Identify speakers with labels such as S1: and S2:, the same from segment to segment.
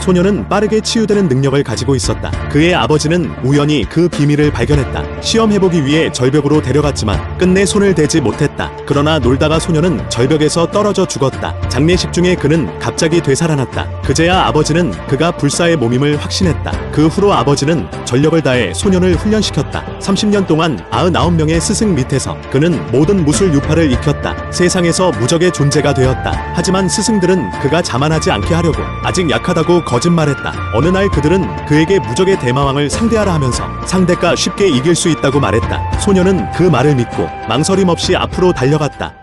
S1: 소녀는 빠르게 치유되는 능력을 가지고 있었다. 그의 아버지는 우연히 그 비밀을 발견했다. 시험해보기 위해 절벽으로 데려갔지만 끝내 손을 대지 못했다. 그러나 놀다가 소녀는 절벽에서 떨어져 죽었다. 장례식 중에 그는 갑자기 되살아났다. 그제야 아버지는 그가 불사의 몸임을 확신했다. 그 후로 아버지는 전력을 다해 소녀를 훈련시켰다. 30년 동안 99명의 스승 밑에서 그는 모든 무술 유파를 익혔다. 세상에서 무적의 존재가 되었다. 하지만 스승들은 그가 자만하지 않게 하려고 아직 약하다고 거짓말했다. 어느 날 그들은 그에게 무적의 대마왕을 상대하라 하면서 상대가 쉽게 이길 수 있다고 말했다. 소녀는 그 말을 믿고 망설임 없이 앞으로 달려갔다.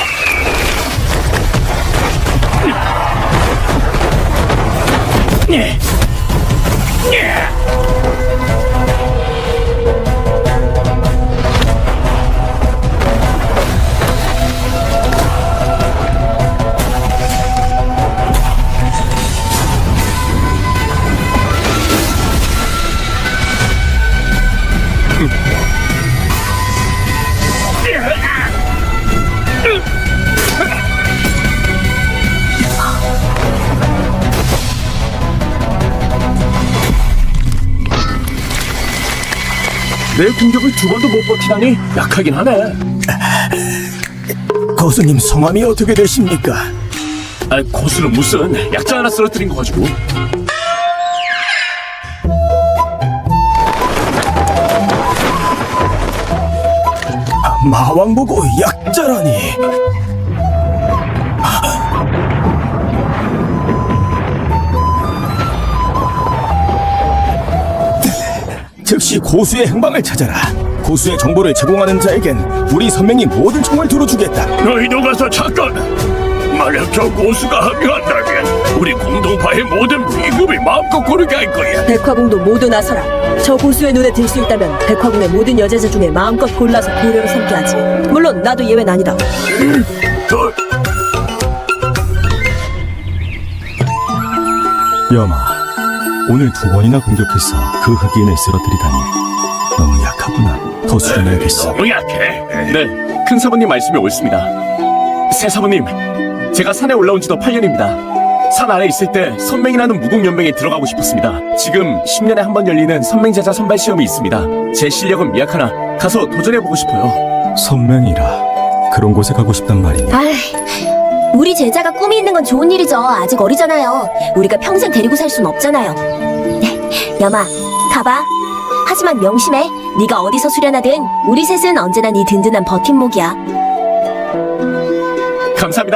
S2: 내 공격을 두 번도 못 버티다니 약하긴 하네.
S3: 거수님 성함이 어떻게 되십니까?
S2: 고수는 무슨 약자 하나 쓰러뜨린 거 가지고.
S3: 마왕 보고 약자라니. 즉시 고수의 행방을 찾아라. 고수의 정보를 제공하는 자에겐 우리 선명이 모든 총을 들어주겠다.
S2: 너희도 가서 잠깐. 만약 저 고수가 합류한다면 우리 공동파의 모든 비급이 마음껏 고르게 할 거야.
S4: 백화궁도 모두 나서라. 저 고수의 눈에 들 수 있다면 백화궁의 모든 여제자 중에 마음껏 골라서 고려로 삼게 하지. 물론 나도 예외는 아니다.
S3: 여마, 오늘 두 번이나 공격해서 그 흑인을 쓰러뜨리다니 너무 약하구나. 더 수련해야겠어.
S2: 너무 약해. 네, 큰 사부님 말씀이 옳습니다. 새 사부님, 제가 산에 올라온 지도 8년입니다. 산 아래 있을 때 선맹이라는 무궁연맹에 들어가고 싶었습니다. 지금 10년에 한 번 열리는 선맹제자 선발 시험이 있습니다. 제 실력은 미약하나 가서 도전해보고 싶어요.
S3: 선맹이라 그런 곳에 가고 싶단 말이냐?
S5: 아이, 우리 제자가 꿈이 있는 건 좋은 일이죠. 아직 어리잖아요. 우리가 평생 데리고 살 순 없잖아요. 여마, 가봐. 하지만 명심해. 네가 어디서 수련하든 우리 셋은 언제나 네 든든한 버팀목이야.
S2: 감사합니다.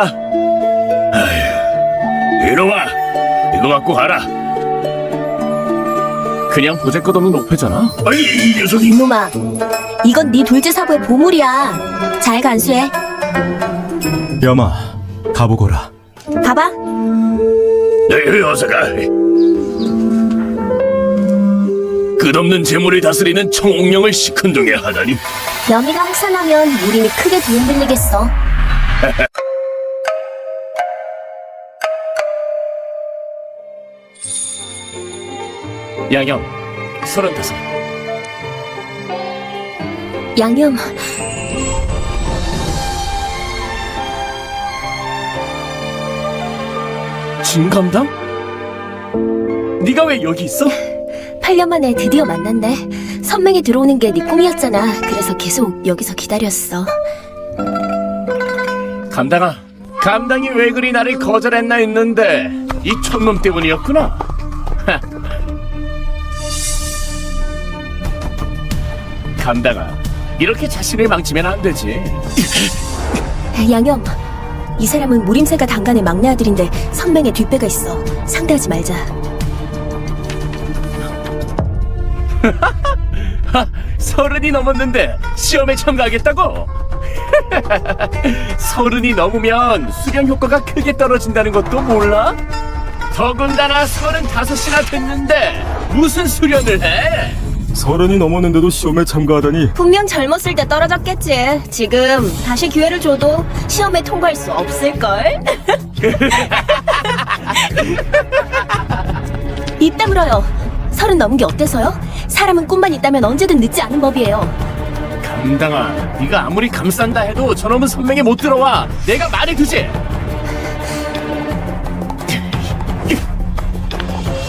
S2: 아휴, 이놈아, 이거 갖고 가라. 그냥 보잘것없는 옥패잖아. 아이, 이 녀석이.
S5: 이놈아, 이건 네 둘째 사부의 보물이야. 잘 간수해.
S3: 여마, 가보거라.
S5: 가봐.
S2: 네, 어서 가. 끝없는 재물을 다스리는 청옥령을 시큰둥해 하다니.
S5: 여미가 확산하면 우림이 크게 뒤흔들리겠어.
S2: 양형, 35.
S5: 양념,
S2: 진감당? 네가 왜 여기 있어?
S5: 8년 만에 드디어 만났네. 선맹이 들어오는 게 네 꿈이었잖아. 그래서 계속 여기서 기다렸어.
S2: 감당아, 감당이 왜 그리 나를 거절했나 했는데 이 촌놈 때문이었구나. 감당아, 이렇게 자신을 망치면 안 되지.
S5: 양염, 이 사람은 무림세가 당간의 막내 아들인데 선맹의 뒷배가 있어. 상대하지 말자.
S2: 서른이 넘었는데 시험에 참가하겠다고? 서른이 넘으면 수련 효과가 크게 떨어진다는 것도 몰라? 더군다나 35이나 됐는데 무슨 수련을 해?
S3: 30이 넘었는데도 시험에 참가하다니.
S5: 분명 젊었을 때 떨어졌겠지. 지금 다시 기회를 줘도 시험에 통과할 수 없을걸? 입 다물어요. 30 넘은 게 어때서요? 사람은 꿈만 있다면 언제든 늦지 않은 법이에요.
S2: 감당아, 네가 아무리 감싼다 해도 저놈은 선명에 못 들어와. 내가 말해두지.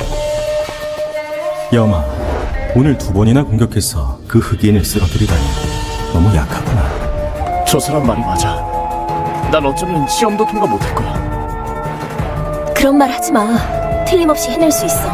S3: 여마, 오늘 2번이나 공격해서 그 흑인을 쓰러뜨리다니 너무 약하구나.
S2: 저 사람 말이 맞아. 난 어쩌면 시험도 통과 못할 거야.
S5: 그런 말 하지 마. 틀림없이 해낼 수 있어.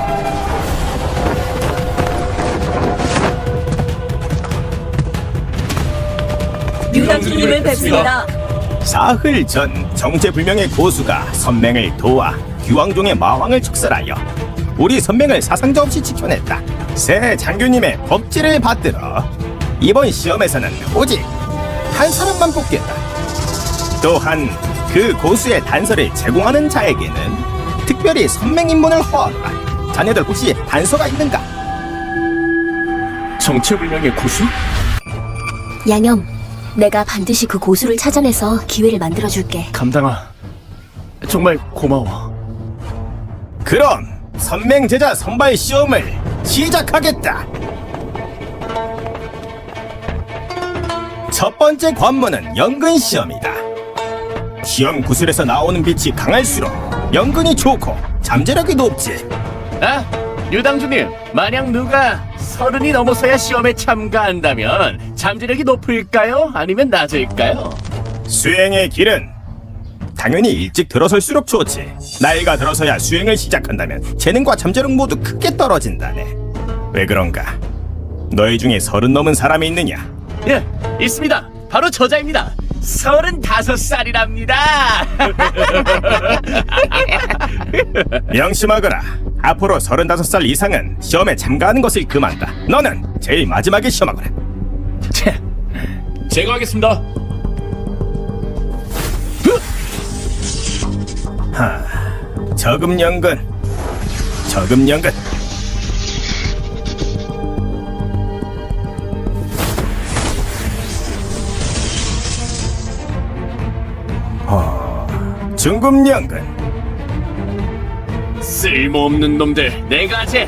S4: 유당주님을 뵙습니다.
S3: 사흘 전 정체불명의 고수가 선맹을 도와 귀왕종의 마왕을 축살하여 우리 선맹을 사상자 없이 지켜냈다. 새 장교님의 법지를 받들어 이번 시험에서는 오직 한 사람만 뽑겠다. 또한 그 고수의 단서를 제공하는 자에게는 특별히 선맹 입문을 허하노라. 자네들 혹시 단서가 있는가?
S2: 정체불명의 고수?
S5: 양염, 내가 반드시 그 고수를 찾아내서 기회를 만들어줄게.
S2: 감당아, 정말 고마워.
S3: 그럼 선맹 제자 선발 시험을 시작하겠다. 첫 번째 관문은 연근 시험이다. 시험 구슬에서 나오는 빛이 강할수록 연근이 좋고 잠재력이 높지.
S2: 아, 유당주님, 만약 누가 30이 넘어서야 시험에 참가한다면 잠재력이 높을까요? 아니면 낮을까요?
S3: 수행의 길은 당연히 일찍 들어설수록 좋지. 나이가 들어서야 수행을 시작한다면 재능과 잠재력 모두 크게 떨어진다네. 왜 그런가? 너희 중에 30 넘은 사람이 있느냐?
S2: 예, 있습니다. 바로 저자입니다. 35살이랍니다.
S3: 명심하거라. 앞으로 35살 이상은 시험에 참가하는 것을 금한다. 너는 제일 마지막에 시험하거라.
S2: 제가 하겠습니다.
S3: 저금연근. 저금연근. 중금연근.
S2: 쓸모없는 놈들, 내가 하지.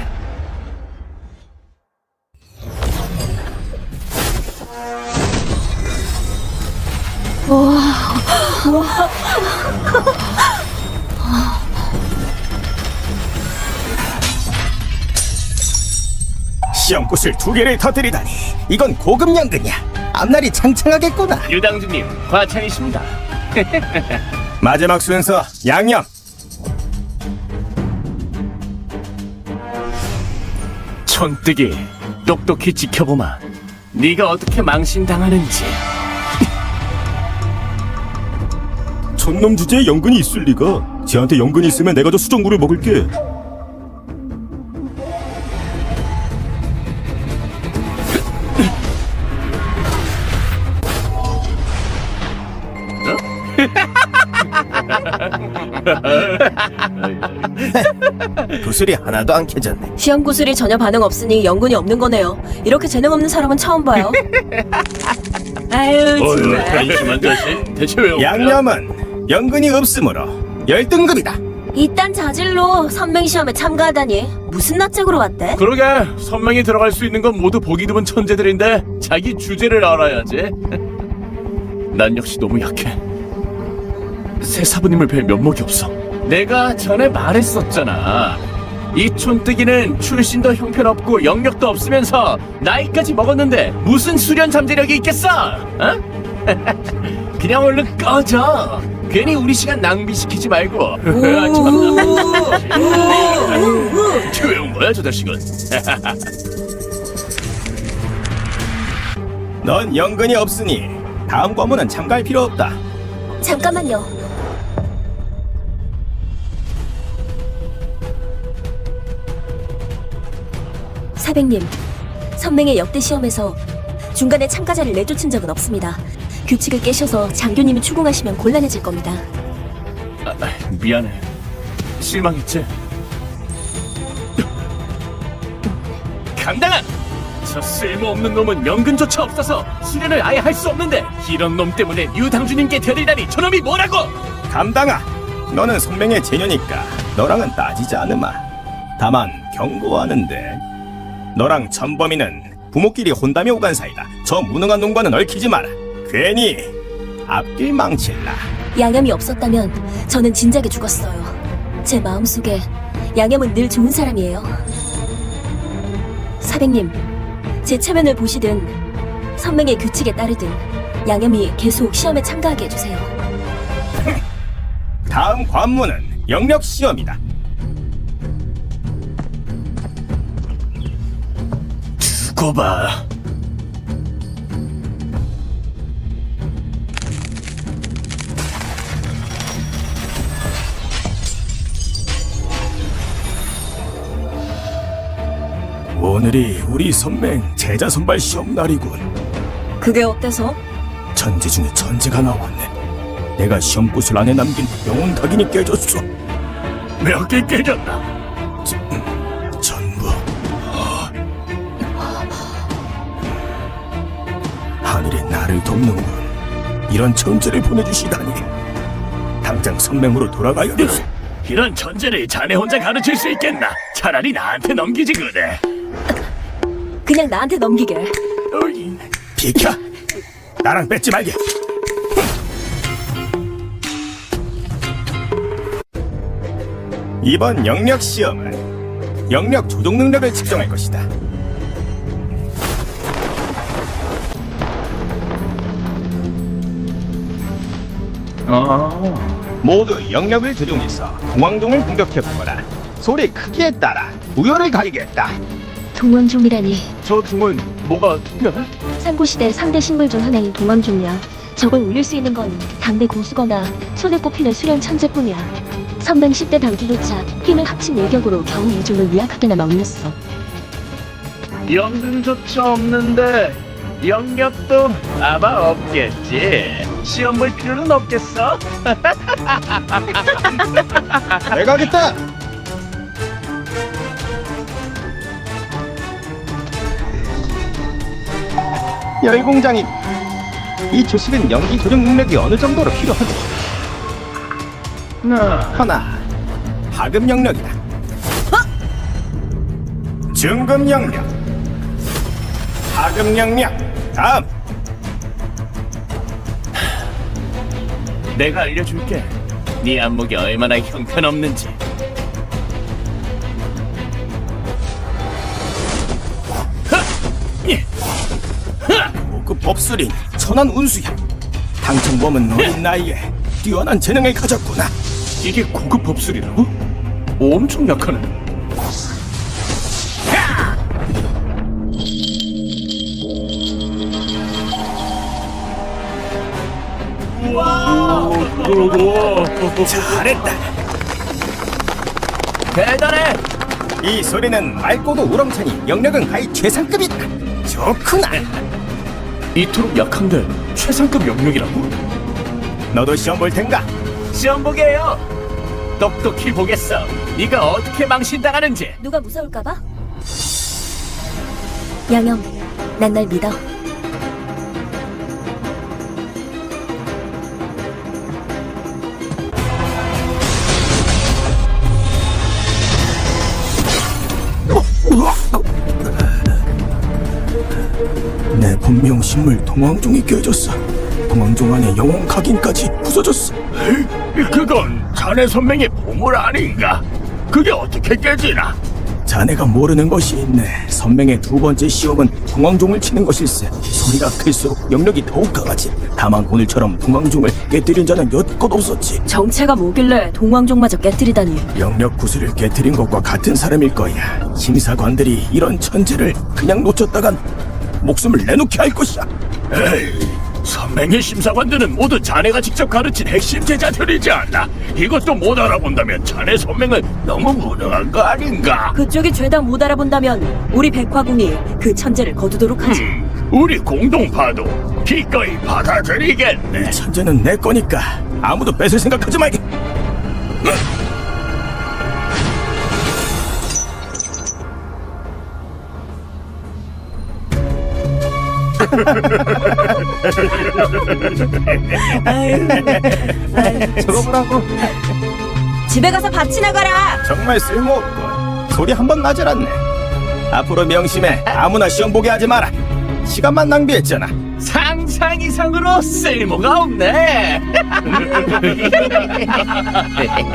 S3: 시험구슬 2개를 터뜨리다니. 이건 고금연근이야. 앞날이 창창하겠구나.
S2: 유당주님, 과찬이십니다.
S3: 마지막 순서 양념.
S2: 촌뜨기, 똑똑히 지켜보마. 네가 어떻게 망신당하는지.
S3: 촌놈 주제에 연근이 있을 리가. 쟤한테 연근이 있으면 내가 저 수정구를 먹을게. 구슬이 하나도 안 켜졌네.
S4: 시험 구슬이 전혀 반응 없으니 연근이 없는 거네요. 이렇게 재능 없는 사람은 처음 봐요. 아유 정말.
S2: 한심한 자식. 대체 왜
S3: 양념은 연근이 없으므로 열등급이다.
S5: 이딴 자질로 선맹 시험에 참가하다니 무슨 낯짝으로 왔대?
S2: 그러게, 선명히 들어갈 수 있는 건 모두 보기 드문 천재들인데 자기 주제를 알아야지. 난 역시 너무 약해. 새 사부님을 뵐 면목이 없어. 내가 전에 말했었잖아. 이 촌뜨기는 출신도 형편없고 영역도 없으면서 나이까지 먹었는데 무슨 수련 잠재력이 있겠어? 어? 그냥 얼른 꺼져. 괜히 우리 시간 낭비시키지 말고. 조용 뭐야 저 자식은.
S3: 넌 연근이 없으니 다음 과문은 참가할 필요 없다.
S5: 잠깐만요. 사백님, 선맹의 역대 시험에서 중간에 참가자를 내쫓은 적은 없습니다. 규칙을 깨셔서 장교님이 추궁하시면 곤란해질 겁니다.
S2: 미안해. 실망했지? 감당아! 저 쓸모없는 놈은 연근조차 없어서 수련을 아예 할 수 없는데 이런 놈 때문에 유당주님께 데리다니 저놈이 뭐라고!
S3: 감당아, 너는 선맹의 제녀니까 너랑은 따지지 않으마. 다만 경고하는데 너랑 천범이는 부모끼리 혼담이 오간 사이다. 저 무능한 놈과는 얽히지 마라. 괜히 앞길 망칠라.
S5: 양염이 없었다면 저는 진작에 죽었어요. 제 마음속에 양염은 늘 좋은 사람이에요. 사백님, 제 체면을 보시든 선맹의 규칙에 따르든 양염이 계속 시험에 참가하게 해주세요.
S3: 다음 관문은 영역 시험이다.
S2: 두고 봐.
S3: 오늘이 우리 선맹 제자 선발 시험 날이군.
S4: 그게 어때서?
S3: 천재 중에 천재가 나왔네. 내가 시험구슬 안에 남긴 영혼 각인이 깨졌어.
S2: 몇 개 깨졌나?
S3: 전부. 하늘이 나를 돕는군. 이런 천재를 보내주시다니. 당장 선맹으로 돌아가야 돼.
S2: 이런 천재를 자네 혼자 가르칠 수 있겠나? 차라리 나한테 넘기지 그래.
S4: 그냥 나한테 넘기게.
S2: 어이.
S3: 비켜. 나랑 뺏지 말게. 이번 영역 시험은 영역 조종 능력을 측정할 것이다. 모두 영역을 조종해서 공황종을 공격해보거라. 소리 크기에 따라 우열을 가리겠다.
S6: 동왕종이라니.
S2: 저 중은 뭐가 특별해?
S6: 삼국시대 3대 식물 중 하나인 동왕종이야. 저걸 울릴 수 있는 건 당대 고수거나 손에 꼽히는 수련 천재뿐이야. 선맹 10대 당기조차 힘을 합친 일격으로 겨우 이 종을 미약하게나마 울렸어.
S2: 연등조차 없는데 영역도 아마 없겠지. 시험 볼 필요는 없겠어?
S3: 내가 하겠다. 열공장님, 이 조식은 연기 조정 능력이 어느 정도로 필요하지? 하나, 하급 영역이다. 중급 영역, 하급 영역. 다음.
S2: 내가 알려줄게. 네 안목이 얼마나 형편없는지.
S3: 고급 법술인 천한 운수야. 당첨범은 어린 나이에 뛰어난 재능을 가졌구나.
S2: 이게 고급 법술이라고? 엄청 약하네.
S3: 잘했다.
S2: 대단해.
S3: 이 소리는 맑고도 우렁차니 영역은 가히 최상급이다. 좋구나.
S2: 이토록 약한데 최상급 영역이라고?
S3: 너도 시험 볼 텐가?
S2: 시험 보게요. 똑똑히 보겠어. 네가 어떻게 망신당하는지.
S5: 누가 무서울까봐? 양염, 난 날 믿어.
S3: 내 본명 식물 동황종이 깨졌어. 동황종 안에 영혼 각인까지 부서졌어.
S2: 그건 자네 선명의 보물 아닌가? 그게 어떻게 깨지나?
S3: 자네가 모르는 것이 있네. 선맹의 두 번째 시험은 동황종을 치는 것일세. 소리가 클수록 영역이 더욱 강하지. 다만 오늘처럼 동황종을 깨뜨린 자는 여태껏 없었지.
S4: 정체가 뭐길래 동왕종마저 깨뜨리다니.
S3: 영역 구슬을 깨뜨린 것과 같은 사람일 거야. 심사관들이 이런 천재를 그냥 놓쳤다간 목숨을 내놓게 할 것이야.
S2: 에이, 선맹의 심사관들은 모두 자네가 직접 가르친 핵심 제자들이지 않나? 이것도 못 알아본다면 자네 선맹은 너무 무능한 거 아닌가?
S4: 그쪽이 죄다 못 알아본다면 우리 백화궁이 그 천재를 거두도록 하지.
S2: 우리 공동파도 기꺼이 받아들이겠네.
S3: 천재는 내 거니까 아무도 뺏을 생각하지 말게. 저거 보라고.
S4: 집에 가서 밭이나 가라.
S3: 정말 쓸모없군. 소리 한 번 나질 않네. 앞으로 명심해. 아무나 시험 보게 하지 마라. 시간만 낭비했잖아.
S2: 상상 이상으로 쓸모가 없네.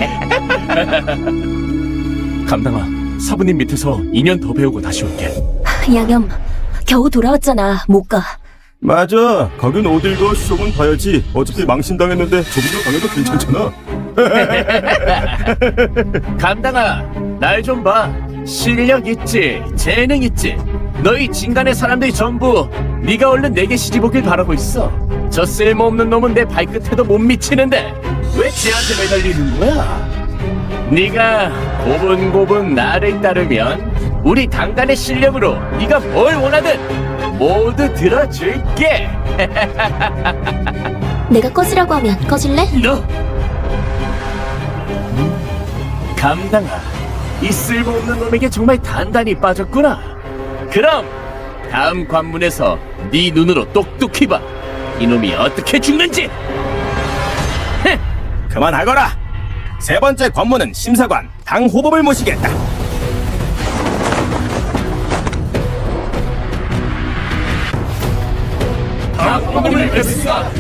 S2: 감당아, 사부님 밑에서 2년 더 배우고 다시 올게.
S5: 양염, 겨우 돌아왔잖아. 못 가.
S3: 맞아. 가긴 어딜 가. 시험은 봐야지. 어차피 망신당했는데 조금 더 당해도 괜찮잖아.
S2: 감당아, 날 좀 봐. 실력 있지, 재능 있지. 너희 진간의 사람들이 전부 네가 얼른 내게 시집 오길 바라고 있어. 저 쓸모없는 놈은 내 발끝에도 못 미치는데 왜 쟤한테 매달리는 거야? 네가 고분고분 나를 따르면 우리 당간의 실력으로 네가 뭘 원하든 모두 들어줄게.
S5: 내가 꺼지라고 하면 꺼질래?
S2: 너 감당아, 이 쓸모없는 놈에게 정말 단단히 빠졌구나. 그럼 다음 관문에서 네 눈으로 똑똑히 봐. 이놈이 어떻게 죽는지.
S3: 그만하거라. 세 번째 관문은 심사관 당 호법을 모시겠다.
S2: 당호법을 뵙습니다.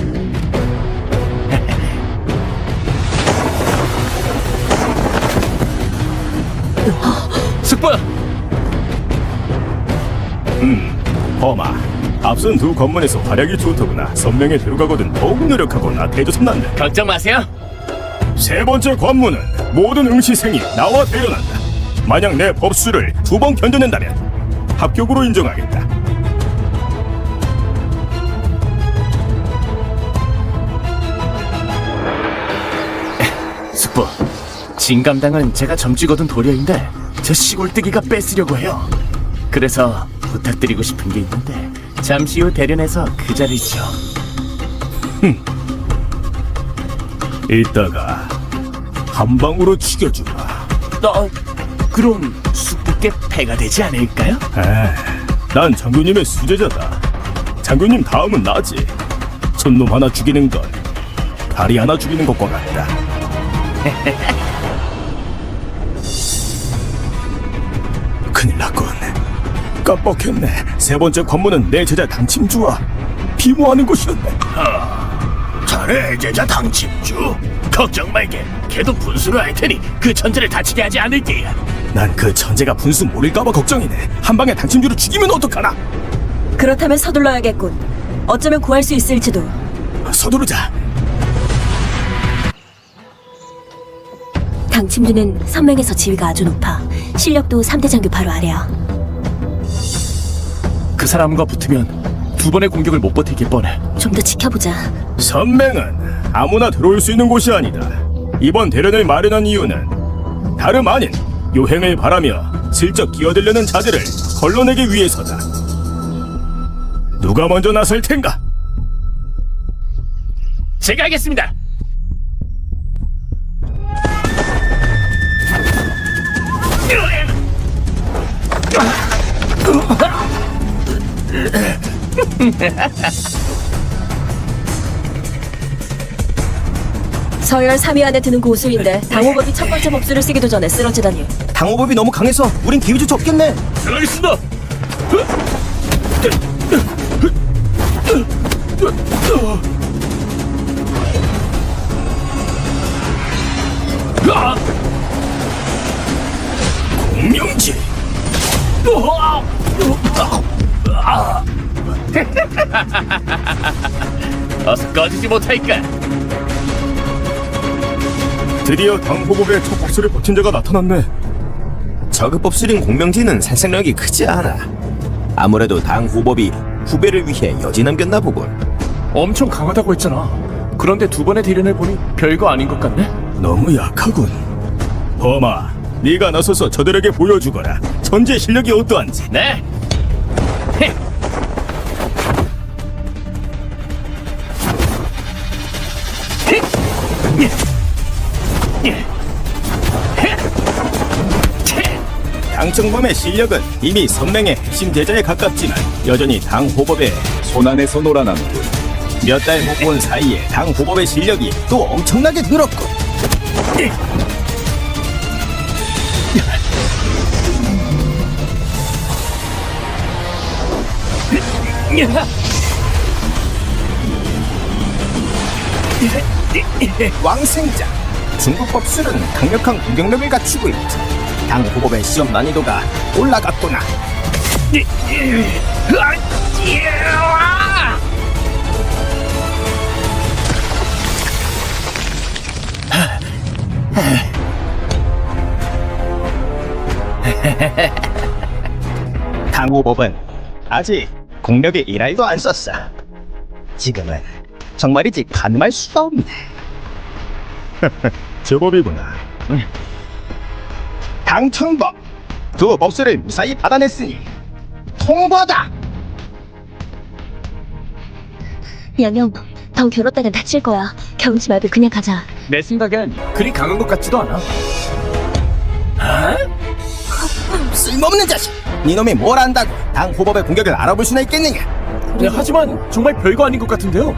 S2: 숙부!
S3: 범아, 앞선 두 관문에서 활약이 좋더구나. 선명에 들어가거든 더욱 노력하고 나태해져선 난다.
S2: 걱정 마세요.
S3: 세 번째 관문은 모든 응시생이 나와 대련한다. 만약 내 법수를 2번 견뎌낸다면 합격으로 인정하겠다.
S2: 숙부, 진감당은 제가 점찍어둔 도려인데 저 시골뜨기가 뺏으려고 해요. 그래서 부탁드리고 싶은 게 있는데 잠시 후 대련해서 그 자리를 쳐.
S3: 이따가 한 방으로 죽여주마.
S2: 그럼 숙부께 패가 되지 않을까요?
S3: 난 장군님의 수제자다. 장군님 다음은 나지. 손놈 하나 죽이는 건 다리 하나 죽이는 것과 같다. 큰일 났군. 깜빡했네. 세 번째 관문은 내 제자 당침주와 비모하는 곳이었네.
S2: 자네 제자 당침주. 걱정 말게. 걔도 분수를 할 테니 그 천재를 다치게 하지 않을게.
S3: 난 그 천재가 분수 모를까봐 걱정이네. 한 방에 당침주를 죽이면 어떡하나.
S4: 그렇다면 서둘러야겠군. 어쩌면 구할 수 있을지도.
S3: 서두르자.
S5: 당침주는 선맹에서 지위가 아주 높아. 실력도 3대 장교 바로 아래야.
S2: 그 사람과 붙으면 두 번의 공격을 못 버티길 뻔해.
S5: 좀 더 지켜보자.
S3: 선맹은 아무나 들어올 수 있는 곳이 아니다. 이번 대련을 마련한 이유는 다름 아닌 요행을 바라며 슬쩍 끼어들려는 자들을 걸러내기 위해서다. 누가 먼저 나설 텐가?
S2: 제가 하겠습니다.
S4: 서열 3위 안에 드는 고수인데 당호법이 첫 번째 법수를 쓰기도 전에 쓰러지다니.
S3: 당호법이 너무 강해서 우린 기회조차 없겠네.
S2: 들어가겠습니다.
S3: 공명지.
S2: 어서 꺼지지 못할까?
S3: 드디어 당호법의 첫 법수를 버틴 자가 나타났네.
S7: 저급 법술인 공명지는 살생력이 크지 않아. 아무래도 당호법이 후배를 위해 여지 남겼나 보군.
S2: 엄청 강하다고 했잖아. 그런데 두 번의 대련을 보니 별거 아닌 것 같네.
S3: 너무 약하군. 범아, 네가 나서서 저들에게 보여주거라. 천재 실력이 어떠한지.
S2: 네.
S3: 당청범의 실력은 이미 선맹의 핵심 제자에 가깝지만 여전히 당호법의 손안에서 놀아남군. 몇 달 못 본 사이에 당호법의 실력이 또 엄청나게 늘었군. 왕생자. 중국 법술은 강력한 공격력을 갖추고 있지. 당호법의 시험 난이도가 올라갔구나. 당후법은 아직 공력의 일할도 안 썼어. 지금은 정말이지 가늠할 수가 없네. 저 법이구나. 당청법 두 법수를 무사히 받아냈으니 통보다.
S6: 양형, 더 겨뤘다간 다칠 거야. 겨우지 말고 그냥 가자.
S2: 내 생각엔 그리 강한 것 같지도 않아.
S3: 쓸모없는 자식. 니놈이 뭘 안다고 당후법의 공격을 알아볼 수나 있겠느냐.
S2: 네, 하지만 정말 별거 아닌 것 같은데요.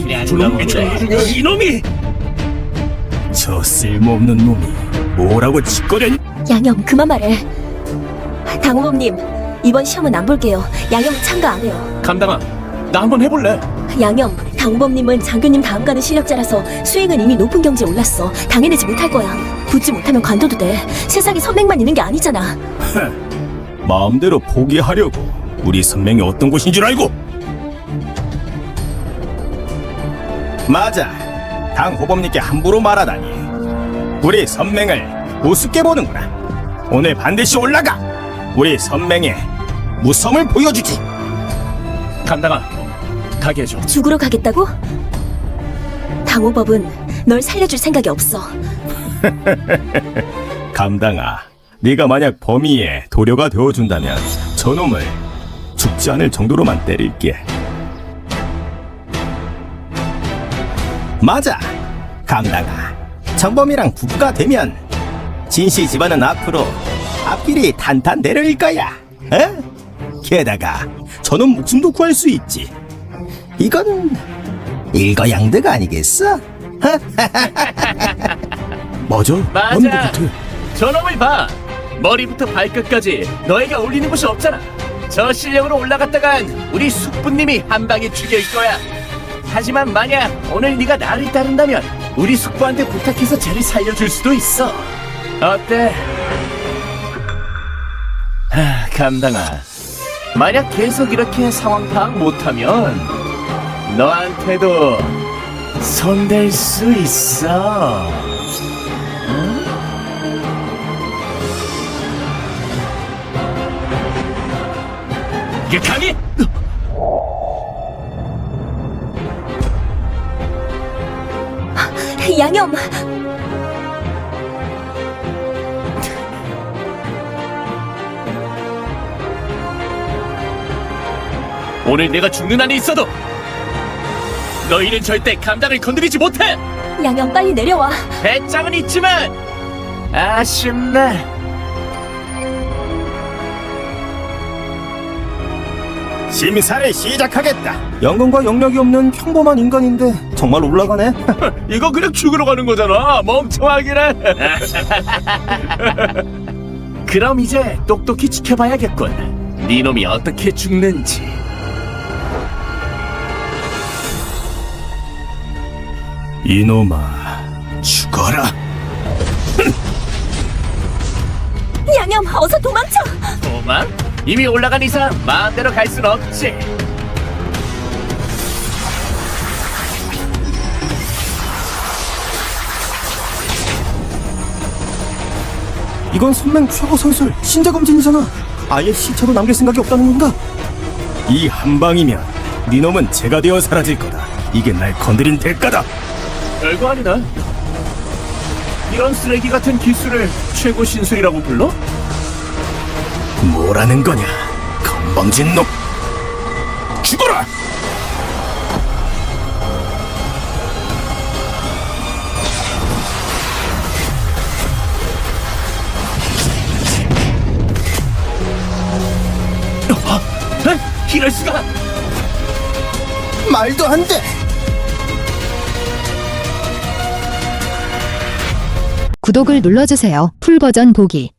S2: 이놈이!
S3: 저 쓸모없는 놈이 뭐라고 짓거려니?
S5: 양형, 그만 말해. 당호범님, 이번 시험은 안 볼게요. 양형 참가 안 해요.
S2: 감당아, 나 한번 해볼래.
S5: 양형, 당호범님은 장교님 다음 가는 실력자라서 수행은 이미 높은 경지에 올랐어. 당해내지 못할 거야. 붙지 못하면 관둬도 돼. 세상에 선맹만 있는 게 아니잖아.
S3: 마음대로 포기하려고 우리 선명이 어떤 곳인 줄 알고? 맞아. 당호범님께 함부로 말하다니. 우리 선맹을 우습게 보는구나. 오늘 반드시 올라가. 우리 선맹의 무섬을 보여주지.
S2: 감당아, 가게 해줘.
S5: 죽으러 가겠다고? 당호법은 널 살려줄 생각이 없어.
S3: 감당아, 네가 만약 범위에 도료가 되어준다면 저놈을 죽지 않을 정도로만 때릴게. 맞아, 감당아. 정범이랑 부부가 되면 진씨 집안은 앞으로 앞길이 탄탄대로일 거야. 에? 게다가 저놈 목숨도 구할 수 있지. 이건 일거양득 아니겠어?
S2: 맞아.
S8: 맞아. 저놈을 봐. 머리부터 발끝까지 너에게 어울리는 곳이 없잖아. 저 실력으로 올라갔다간 우리 숙부님이 한 방에 죽일 거야. 하지만 만약 오늘 네가 나를 따른다면 우리 숙부한테 부탁해서 쟤를 살려줄 수도 있어. 어때? 감당아. 만약 계속 이렇게 상황 파악 못하면 너한테도 손댈 수 있어. 강이!
S5: 양형,
S8: 오늘 내가 죽는 한이 있어도 너희는 절대 감당을 건드리지 못해.
S5: 양형 빨리 내려와.
S8: 배짱은 있지만 아쉽네.
S3: 심사를 시작하겠다. 연금과 영력이 없는 평범한 인간인데 정말 올라가네.
S8: 이거 그냥 죽으러 가는 거잖아, 멍청하기는. 그럼 이제 똑똑히 지켜봐야겠군. 네 놈이 어떻게 죽는지.
S3: 이놈아, 죽어라.
S5: 양형, 어서 도망쳐.
S8: 도망? 이미 올라간 이상 마음대로 갈 순 없지.
S3: 이건 선맹 최고 선술 신자 검진이잖아. 아예 시체로 남길 생각이 없다는 건가? 이 한 방이면 네 놈은 제가 되어 사라질 거다. 이게 날 건드린 대가다.
S8: 별거 아니다. 이런 쓰레기 같은 기술을 최고 신술이라고 불러?
S3: 뭐라는 거냐, 건방진 놈. 죽어라.
S8: 이럴 수가!
S3: 말도 안 돼.
S9: 구독을 눌러주세요. 풀버전 보기